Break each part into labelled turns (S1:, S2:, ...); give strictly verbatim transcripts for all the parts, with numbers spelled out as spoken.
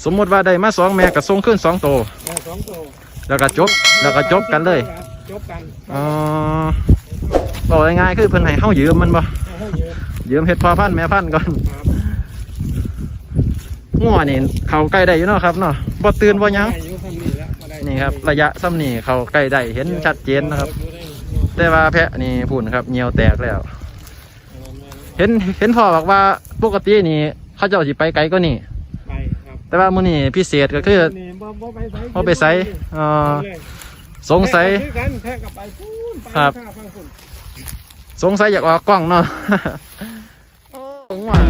S1: สมมติว่าได้มาสองแม่ก็ส่งขึ้นสองโต
S2: สองโต
S1: แล้วก็จบแล้วก็จบกันเลย
S2: จบกัน
S1: อ๋อบอกง่ายๆคือเพิ่นให้เฮายืมมันบ่ยืมเฮ็ดพ่อพันธุ์แม่พันธุ์ก่อนงัวนี่เขาใกล้ได้อยู่เนาะครับเนาะบ่ตื่นบ่หยังนี่ครับระยะซ้ำนี่เขาใกล้ได้เห็นชัดเจนนะครับแต่ว่าแพะนี่พูนครับเหนียวแตกแล้วเห็นเห็นพ่อบอกว่าปกตินี่เขาเจ้าสิไปไกลก็นี่แต่ว่ามื้อนี้พิเศษก็คือบ่ไปไสอ๋อสงสัยครับสงสัยอยากออกกล้องเนาะว่า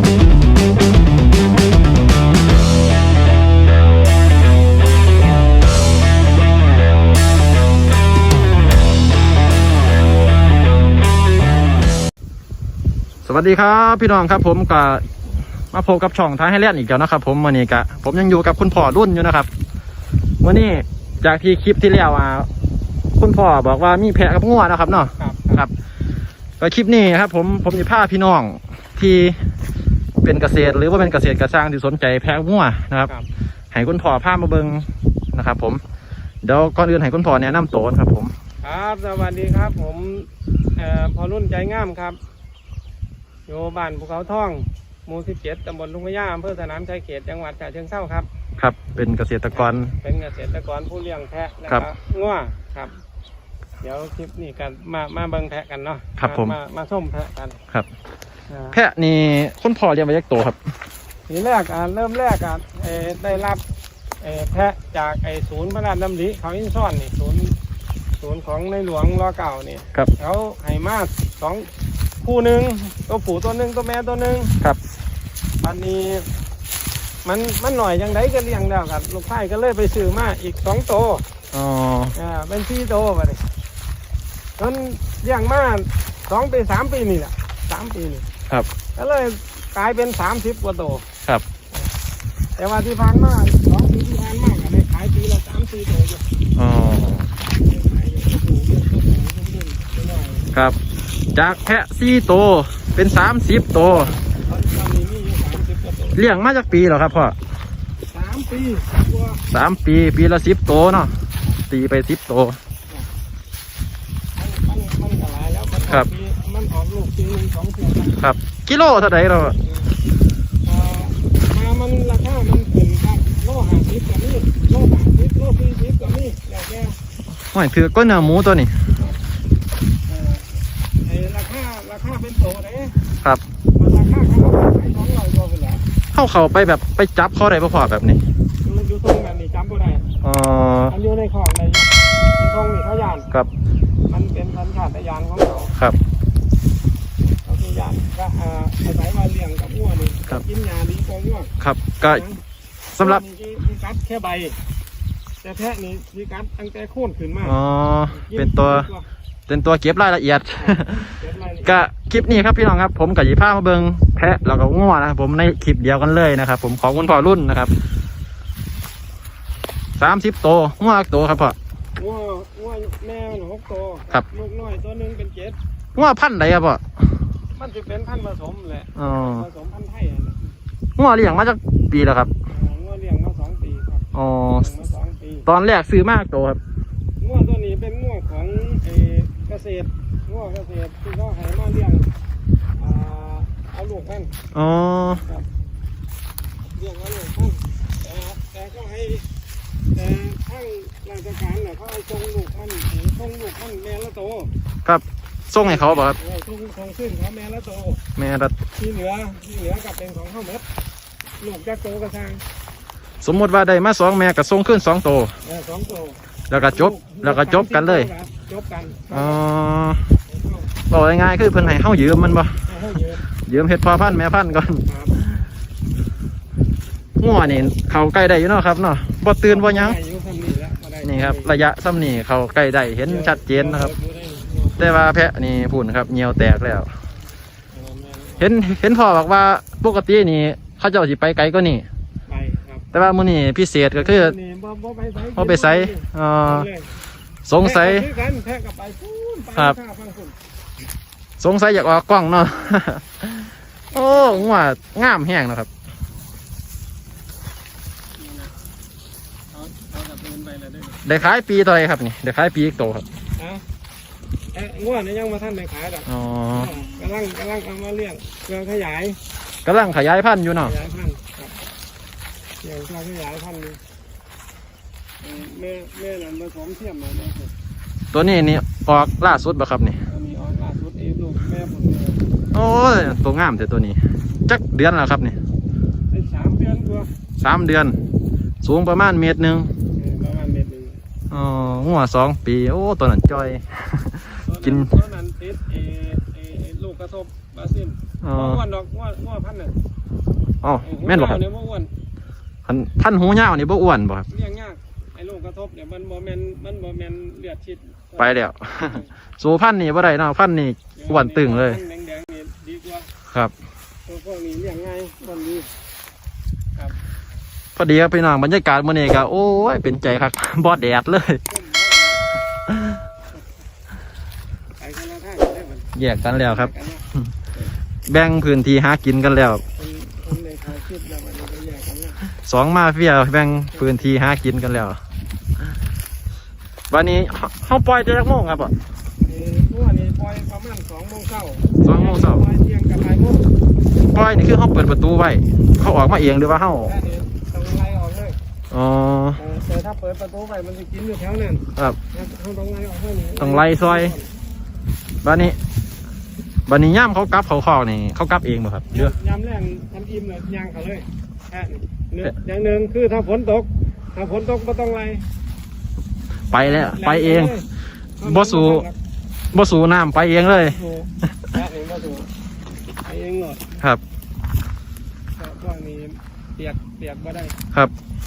S1: สวัสดีครับพี่น้องครับผมก็มาพบกับช่องท้ายให้เล่นอีกแล้วนะครับผมวันนี้กะผมยังอยู่กับคุณพ่อรุ่นอยู่นะครับวันนี้จากที่คลิปที่แล้วอ่ะคุณพ่อบอกว่ามีแพะกับงัวนะครับเนาะครับก็คลิปนี้ครับผมผมจะพาพี่น้องที่เป็นเกษตรหรือว่าเป็นเกษตรกระช่างที่สนใจแพะงัวนะครับให้คุณพ่อพามาเบิ้งนะครับผมเดี๋ยวก่อนอื่นให้คุณพ่อแนะนำตัวครับผม
S2: ครับสวัสดีครับผมเอ่อพ่อรุ่นใจงามครับอยู่บ้านภูเขาทองหมู่สิบเจ็ดตำบลลุงพญาอำเภอสนามชัยเขตจังหวัดฉะเชิงเทราครับ
S1: ครับเป็นเกษตรกร
S2: เป็นเกษตรกรผู้เลี้ยงแพะนะครับงัวครับเดี๋ยวคลิปนี้กันมามาเบิ่งแพะกันเนาะ
S1: ครับผม
S2: มามาส้มแพะกัน
S1: ครับแพะนี่คุณพ่อเลี้ยงมาจากตัวครับ
S2: ทีแรกอ่ะเริ่มแรกอ่ะได้รับแพะจากไอ้ศูนย์พระราชดำริเขาอินซ่อนนี่ศูนย์ศูนย์ของในหลวงรอเก่านี่เขาให้มาสองคู่หนึ่งตัวผู้ตัวหนึ่งตัวแม่ตัวหนึ่ง
S1: ครับ
S2: อันนี้มันมันหน่อยยังไงก็เลี้ยงแล้วครับลูกไผ่ก็เลยไปซื้อมาอีกสองตัว
S1: อ๋อ
S2: อ่าเป็นสี่ตัวไปเลยจนเลี้ยงมาสองปีสามปีนี่แหละสามปีนี่
S1: ครับ
S2: ก็เลยกลายเป็นสามสิบกว่าตัว
S1: ครับ
S2: แต่ว่าที่ผ่านมาสองปีที่ผ่านมาก็ได้ขายปีละสามสี่ตัวอยู่
S1: อ๋อครับจากแพะสี่ตัวเป็นสามสิบตัวเลี้ยงมาจากปีเหรอครับพ่อ
S2: สามปี
S1: สามปีปีละสิบตัวเนาะตีไปสิบตัวครับ
S2: มันออกลูกปีหนึ่งสองตัว
S1: ครับกิโลเท่าไหร่เรา
S2: มามันราคามันขึ้นครับโลห้าสิบกับนี่โลสามสิบโลสี่สิบกับนี่แล้วแก
S1: ไม่ถือก้นเนื้อหมูตัวนี้
S2: ราคาราคาเป็นโตเลย
S1: ครับ
S2: ราคาเขาขายสองร้อยตัวไปแล้ว
S1: เข้าเขาไปแบบไปจับเขาได้พอแบบนี้
S2: อยู่ตรงแบบนี้จับก็ได้
S1: อ๋อ
S2: มันอยู่ในคลองในอยู่ตรงนี้เขายาน
S1: ครับ
S2: มันเป็นสัญชาตญาณของเขา
S1: ครับ
S2: เขาคือยานก็อาศัยมาเลี้ยงกับวัวนี่กินยาดีกว่าวัว
S1: ครับก็สำหรับ
S2: ที่กัดแค่ใบแต่แพะนี่ที่กัดตั้งแต่โค่นขึ้นมา
S1: อ๋อเป็นตัวเป็นตัวเก็บรายละเอียดก็คลิปนี้ครับพี่น้องครับผมกับยีผ้ามาเบิงแพะแล้วก็งัวนะครับผมในคลิปเดียวกันเลยนะครับผมของคุณพ่อรุ่นนะครับสามสิบตัวงัวตัวครับพ่อ
S2: งัวงัวแม่หนูหกตัว
S1: ครับ
S2: ลูกน้อยตัวนึงเป็นเจ็ด
S1: งัวพันธุ์ไหนครับพ่อ
S2: มันจะเป็นพันธุ์ผสมแหละผสมพันธุ์ไทย
S1: งัวเลี้ยงมาจากปีแล้วครับ
S2: งัวเลี้ยงมาสองปีครับ
S1: อ๋อตอนแรกซื้อมากตัวครับ
S2: งัวตัวนี้เป็นงัวของเกษตรงัวเกษตรที่เขาให้มาเลี้ยงเอาลูกมัน
S1: อ๋อ
S2: เลี้ยงเอาลูกมันแต่แต่ก็ให้แต่ทั้งราชการเนี่ยเขาให้ส่งลูกมันส่งลูกมันแม่ละโต
S1: ครับส่งให้เขาบ่ครับ
S2: ส่งส่งขึ้นเขาแม่ละโต
S1: แม่ละ
S2: ที่เหลือที่เหลือกับเป็นของเขาหมดลูกจะโตกระชัง
S1: สมมติว่าได้มาสองแม่ก็ส่งขึ้นสองโต
S2: สองโต
S1: แล้วก็จบแล้วก็จบกันเลย
S2: จบกัน
S1: อ๋อบอกง่ายๆคือเพิ่นให้เฮายืมมันบ่ยืมเฮ็ดพ่อพันธุ์แม่พันธุ์ก่อนงัวนี่เขาใกล้ได้อยู่เนาะครับเนาะบ่ตื่นบ่หยังนี่ครับระยะซ้ำนี่เขาใกล้ได้เห็นชัดเจนนะครับแต่ว่าแพะนี่พูนครับเหนียวแตกแล้วเห็นเห็นพ่อบอกว่าปกตินี่เขาเจ้าสิไปไกลก็นี่แต่ว่ามื้อนี้พิเศษก็คือบ่ไปไสอ๋อสงสัยครับสงสัยอยากออกกล้องเนาะโอ้งัวงามแห้งนะครับ
S2: เดินไปแล้วได้
S1: ได้ขายปีต่อไรครับนี่ได้ขายปีอีกโตครับ
S2: นะเอ้งวดนี้ยังมาท่านได้ขายดอก
S1: อ๋อก
S2: ำลังกำลังเอามาเลี้ยงเพื่อขยาย
S1: กำลังขยายพันธุ์อยู่
S2: ข
S1: เนาะ
S2: ยายพันธุ์ครับเลี้ยงเพื่อขยายพันธุ์อยู่เอ่อแม่แม่นั่นผสมเทียมมาเนี่ยครับ
S1: ตัวนี้นี่ออกล่าสุดบ่ครับนี่
S2: อันนี้ออกล่าสุดเองลูกแม่ผมเนี่ย
S1: โอ้ยตัวงามแต่ตัวนี้จักเดือนแล้วครับนี่
S2: ได้สามเดือนกว่า
S1: สามเดือน สูงประมาณเมตรหนึ่ง
S2: เออประมาณเม็ดหนึ่ง
S1: อ๋อหัวสองปีโอ้ตัวนั้นจ้อย กิน
S2: ตอนนั้นติดเอเอเอลูกกระทบบาซิล
S1: อ๋อ
S2: บ่อ้วนดอกอ้วนอ้วนพันธุ์น่ะ
S1: อ๋อแม่นบ่ครับ
S2: เนี่ยบ่อ้วน
S1: พันพันหูยาวนี่บ่อ้วนบ่ครับ
S2: เลี้ยงยากไอ้ลูกกระทบเนี่ยมันบ่แม่นมันบ่แม่นเลือดชิด
S1: ไปแล้ว สูพันธุ์นี่บ่ได้เนาะพันธุ์นี่อ้วนตึงเลย
S2: แดงๆนี่ดีกว่า
S1: ครับ
S2: ตัวพวกนี้เลี้ยงง่ายอ้วนดีครับ
S1: พอดีครับพี่น้องบรรยากาศมื้อนี้ก็โอ้ยเป็นใจครับ บ่แดดเลย
S2: ไปกันแล้วท่ากันได้เหมือน
S1: แยกกันแล้วครับ
S2: กันเนาะ
S1: แบ่งพื้นที่หากินกันแล้ว
S2: คนคนในถ่ายคลิปแล้วมันก็แยกกันแล้ว
S1: สองมาเฟียแบ่งพื้นที่หากินกันแล้ววันนี้เฮาเฮาปล่อยแต่จักโมงครับอ่ะ
S2: เอ่อตัวนี้ปล่อยประมาณสองโมงเช้า
S1: สองโมงเช้า
S2: ปล่อยเที่ยงกับบ่ายโมง
S1: ปล่อยนี่คือเฮาเปิดประตูไว้เขาออกมาเองหรือว่าเฮา
S2: แล้วนี่ต้องไล่ออกเลย
S1: อ๋อ
S2: เออแต่ถ้าเปิดประตูไปมันจะกินอยู่แถวนั้น
S1: ครับ
S2: เขาต้องไล่ออกให้นี่
S1: ต้องไล่ซอย บัดนี้บัดนี้ย่ามเขากลับเขาคอกนี่เขากลับเองบ่ครับเรือ
S2: ยำแรงทำอิ่มเลยย่างเขาเลยแค่นี้หนึ่งอย่างหนึ่งคือถ้าฝนตก ถ้าฝนตกไม่ต้องไล่
S1: ไปแล้วไปเอง
S2: แรง
S1: บ่สู่ บ่สู่น้ำไปเองเลย
S2: สู่แค่นี้บ่สู่ไปเองหมด
S1: ครับ
S2: แต่พวกนี้เปียกเปียกบ่ได้
S1: ครับ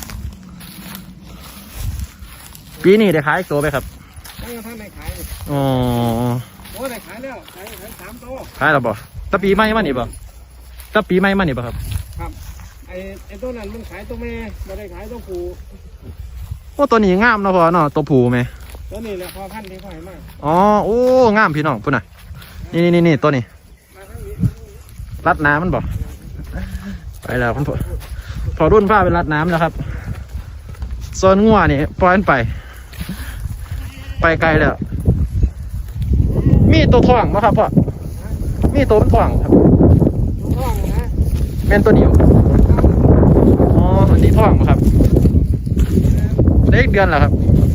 S1: ปีนี้ได้ขายตัวไปครับ
S2: ตั้งแต่ท่านได้ขายนี่
S1: อ๋อ
S2: โอ้ได้ขายแล้วขายขายสามโต
S1: ขายแล้วบ่ตะปีใหม่มานี่บ่ตะปีใหม่มานี่บ่ครับ
S2: ครับไอ้ไอ้ตัวนั้นมันขายตัวแม่ไม่ได้ขายตัวผู้
S1: โอ้ตัวนี้งามเนาะพ่อเนาะตัวผู้ไหม
S2: ตัวนี้แหละพอพันธุ์ที่ขายมาก
S1: อ๋อโอ้งามพี่น้องพุ่นน่ะนี่นี่นี่ตัวนี้
S2: มาทั้งนี้
S1: รัดน้ำมันบ่ไปแล้วคุณพ่อพอรุ่นผ้าเป็นรัดน้ำแล้วครับโซนงัวนี่ปล่อยมันไป ไปไกลแล้ว มีตัวท่องไหมครับพ่อมีตัวมันท่องครับ
S2: ลูกท้องนะ
S1: แม่นตัวเดียวอ๋ออันนี้ท่องบ่ครับเล็กเดือนแล้วครับ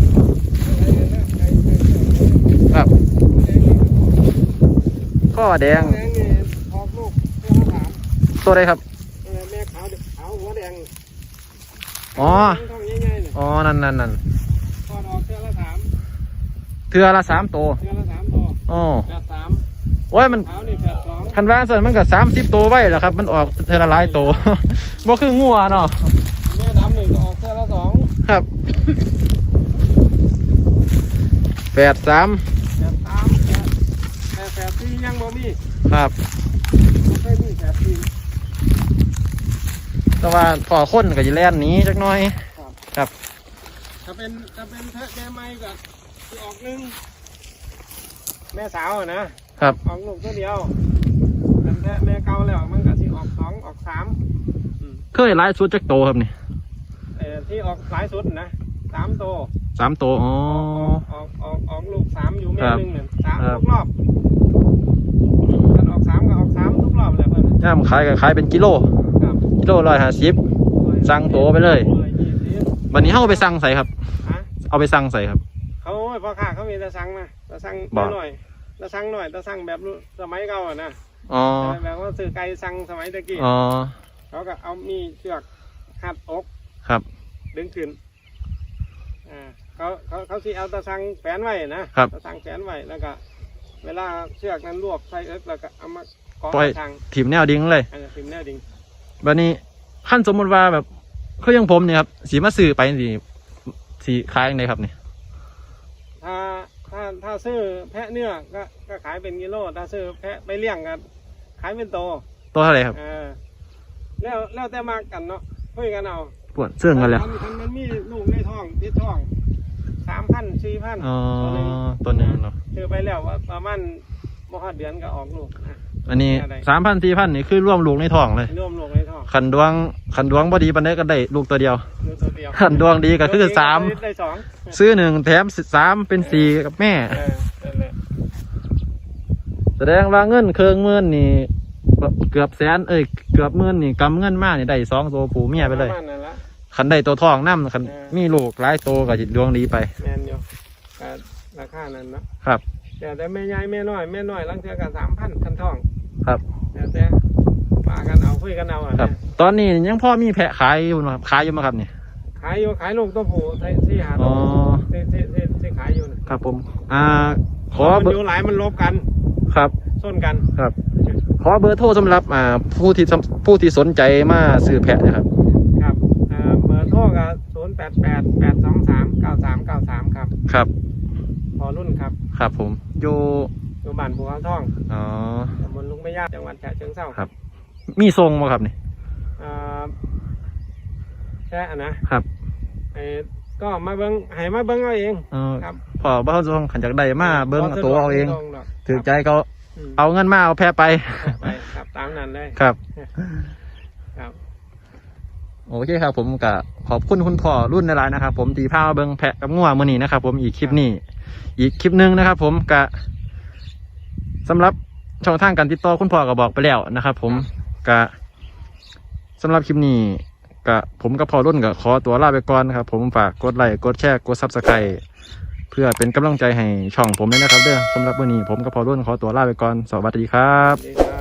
S1: ครับข้อแดง
S2: แดงนี่ออกลูกตัวละสาม
S1: ตัวใดครับ
S2: เออแม่ขาวขาวหัวแดง
S1: อ๋อ
S2: ท้องง่ายๆเนี่ย
S1: อ๋อนั่นนั่นนั่น
S2: ทอดออกเทือละสาม
S1: เทือละสามตัว
S2: เทือละสามตัว
S1: อ๋อ
S2: แปดสาม
S1: โอ้ยมัน
S2: ขาวนี่แปดสอง
S1: คันว่าส่วนมันก็สามสิบตัวไว้แหล้วครับ มันออกเทอละหลายตัว บ่คืองัวเนาะ
S2: แม่ดำหนึ่งก็ออกเทือละสอง
S1: ครับแปดสาม
S2: แปดสามแปดแปดแปดสี่ยังบ่มี
S1: ครับ
S2: บ่เคยมีแปดสี่
S1: แต่ว่าพอคนก็จะแล่นหนี้จักหน่อย ครับ
S2: ถ้าเป็นถ้าเป็นแพะแม่ไม้ก็สิออกหนึ่งแม่สาวอะนะครับ ออกลูกตัวเดียวเป็นแพะแม่เก่าแล้วมันก็สิออกสองออกสาม
S1: เคยหลายสุดจักโตครับนี่
S2: เอ่อที่ออกหลายสุดนะสามตัว
S1: สามตัวอ๋อ
S2: ออกออกออกลูกสามอยู่แม่
S1: ครับ
S2: หนึ่งเนี่ยสาม
S1: ครับ
S2: ทุกรอบถ้าออกสามก็ออกสามทุกรอบเลยเพื่อน
S1: ย่ามขายก็ขายเป็นกิโล
S2: ครับ
S1: กิโลร้อยห้าสิบ สั่งตัวไปเลย
S2: ร้อยี่สิบ
S1: วันนี้เขาเอาไปสั่งใส่ครับ
S2: ฮะ
S1: เอาไปสั่งใส่ครับ
S2: เขาโอ้ยพ่อค้าเขามีแต่สั่งนะแต่สั่ง
S1: บ่
S2: หน่อยแต่สั่งหน่อยแต่สั่งแบบสมัยเก่าอะนะ
S1: อ๋อ
S2: แบบว่าซื้อไก่สั่งสมัยตะกี้
S1: อ๋อ
S2: เขาก็เอามีเชือกหัดอก
S1: ครับ
S2: ดึงขึ้นอ่าเขาเขาเขาสิเอาตะสั่งแฝนไว้นะครับ ตะสั่งแฝนไว้แล้วก็ เวลาเชือกนั้นรวบใส่เอิ๊กแล้วก็เอามาเกาะ
S1: ปล่อย
S2: ทาง
S1: ถิ่มแนวดิ้งเลย
S2: อันนี้พิมพ์แนวดิ่ง
S1: วันนี้ขั้นสมมติว่าแบบเขายังผมเนี่ยครับสีมาซื้อไปสีสีขายยังไงครับเนี่ย
S2: ถ้าถ้าถ้าซื้อแพะเนื้อก็ก็ขายเป็นกิโลถ้าซื้อแพะไปเลี้ยงก็ขายเป็นโต
S1: ตัวเท่าไหร่ครับ
S2: เออแล้วแล้วแต่มากันเนาะคุยกันเอา
S1: ปวดเสื่องกันแล้ว
S2: มันมันมันมีลูกในท้องติดท้องสามพันสี่พัน
S1: อ๋อ
S2: ตัวหนึง
S1: ตัวหนึงเนาะ
S2: ซื้อไปแล้วว่าประมาณมหาเดือนก็ออกลูกอ่ะ
S1: อันนี้
S2: อะไร
S1: สามพันสี่พันนี่คือร่วมลูกในท้องเลย
S2: รวมลูกในท้องอก
S1: ขันดวงขันดวงบ่ดีปานใดก็ได้ลูกตัวเดียว
S2: ลูกตัวเดียว
S1: ขันดวงดีก็คือสาม
S2: ได้สอง
S1: ซื้อหนึ่งแถมสามเป็นสี่กับแม่
S2: เออนั่นแหละ
S1: แสดงว่าเงินเครื่องหมื่นนี่เกือบแสนเอ้ยเกือบหมื่นนี่กำเงินมานี่ได้สองตัวผูเมียไปเลย
S2: ประมาณนั้นละ
S1: ขันได้ตัวทองน้ำขัน
S2: เออ
S1: มีลูกหลายโตวก็จิตดวงดีไป
S2: แมนอยู่ก็ราคานั้นเนาะ
S1: ครับ
S2: แต่แต่แม่ใหญ่แม่น้อยแม่น้อยลังเทือกันสามพันคันทอง
S1: ครับ
S2: แต่แต่ปากันเอาคุยกันเอาอ่ะ
S1: ครับ
S2: เนี่ย
S1: ตอนนี้ยังพ่อมีแพะขายอยู่นะครับขายอยู่ไหมครับนี่
S2: ขายอยู่ขายลูกตัวผู้ที่หา
S1: อ๋
S2: ตั
S1: อ
S2: วที่ที่ที่ที่ขายอยู่นะครับ
S1: ผม อ่า ขอ
S2: มัน
S1: เบอ
S2: อยู่
S1: ร์
S2: หลายมันลบกัน
S1: ครับ
S2: ส้นกัน
S1: ครับ ขอเบอร์โทรสำหรับอ่าผู้ที่สำผู้ที่สนใจมาซื้อแพะนะครับ
S2: ครับอ่าเบอร์โทรกับศูนย์แปดแปดแปดสองสามเก้าสามเก้าสามครับ
S1: ครับ
S2: พอรุ่นครับ
S1: ครับผม อยู่
S2: อยู่บ้านภูเขาทอง
S1: อ๋อ
S2: ตำบลลุงไม่ยากจังหวัดฉะเชิงเทรา
S1: ครับ มีทรงไหมครับนี่
S2: อ่าแค่อะนะครับ ไอ้ก็มาเบิ้งให้มาเบิ้งเอาเอง
S1: เออ
S2: ครับ
S1: พอบ้านทรงขันจากใดมาเบิ้งตัวเอาเอง
S2: บ่สะดวกดอก
S1: ถือใจเขา
S2: อืม
S1: เอาเงินมาเอาแพะไป
S2: ไปครับตามนั้นเลย
S1: ครับ
S2: ครับ
S1: โอเคครับ ผมก็ขอบคุณคุณพ่อรุ่นในไลน์นะครับ ผมตีผ้ามาเบิ้งแพะกับงัวมือนี้นะครับ ผมอีกคลิปนี้ อีกคลิปหนึ่งนะครับ ผมกะสำหรับช่องทางการติดต่อคุณพ่อก็บอกไปแล้วนะครับ ผมกะสำหรับคลิปนี้กะผมกับพ่อรุ่นก็ขอตัวลาไปก่อนนะครับ ผมฝากกดไลค์กดแชร์กดซับสไครต์เพื่อเป็นกำลังใจให้ช่องผมด้วยนะครับเด้อสำหรับวันนี้ผมกับพ่อรุ่นขอตัวลาไปก่อนสวัสดีครับ
S2: สวัสดีครับ